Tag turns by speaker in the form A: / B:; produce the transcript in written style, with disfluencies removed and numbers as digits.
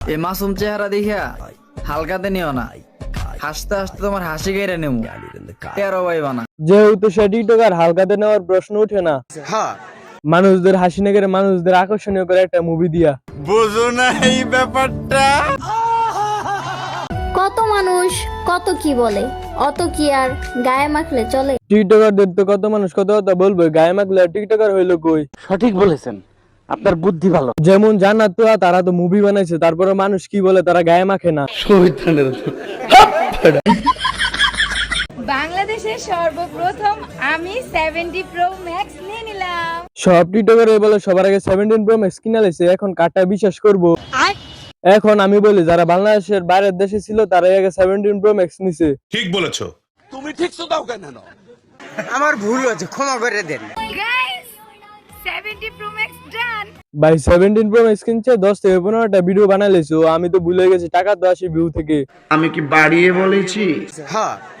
A: এই মাসুম চেহারা দেখিয়া হালকাতে নিও না, হাসতে হাসতে তোমার হাসি কেড়ে নেব, টেরো পাইবা না।
B: যেহেতু সে টিকটকার, হালকাতে নেওয়ার প্রশ্ন উঠে না। মানুষদের হাসি না করে মানুষদের আকর্ষণীয় করে একটা মুভি দিয়া।
C: বুঝো না এই ব্যাপারটা?
D: কত মানুষ কত কি বলে, অত কি আর গায়ে মাখলে চলে?
B: টিকটকারদের তো কত মানুষ কত কথা বলবে, গায়ে মাখলে আর টিকটকার হইলো কই?
E: সঠিক বলেছেন, আপনার বুদ্ধি ভালো।
B: যেমন জান্নাত তো তারা তো মুভি বানাইছে, তারপরে মানুষ কি বলে তারা গায়ে মাখে না।
F: বাংলাদেশের সর্বপ্রথম আমি 70 প্রো ম্যাক্স নিয়ে নিলাম।
B: সব টিকটকার বলে সবার আগে 17 প্রো ম্যাক্স কিনা লাইছে, এখন কাটা বিশ্বাস করব? এখন আমি বলি যারা বাংলাদেশের বাইরের দেশে ছিল তারা আগে 17 প্রো ম্যাক্স নিছে।
C: ঠিক বলেছো।
G: তুমি ঠিক তো দাও কেন?
H: আমার ভুল হয়েছে, ক্ষমা করে দেন।
F: Guys 70 pro max done.
B: ভাই 17 প্রো ম্যাক্স কিনছে, 10 থেকে 15টা ভিডিও বানাই লাইছো, আমি তো ভুলে গেছি টাকা তো আসে ভিউ থেকে।
I: আমি কি বাড়িয়ে বলেছি?
H: হ্যাঁ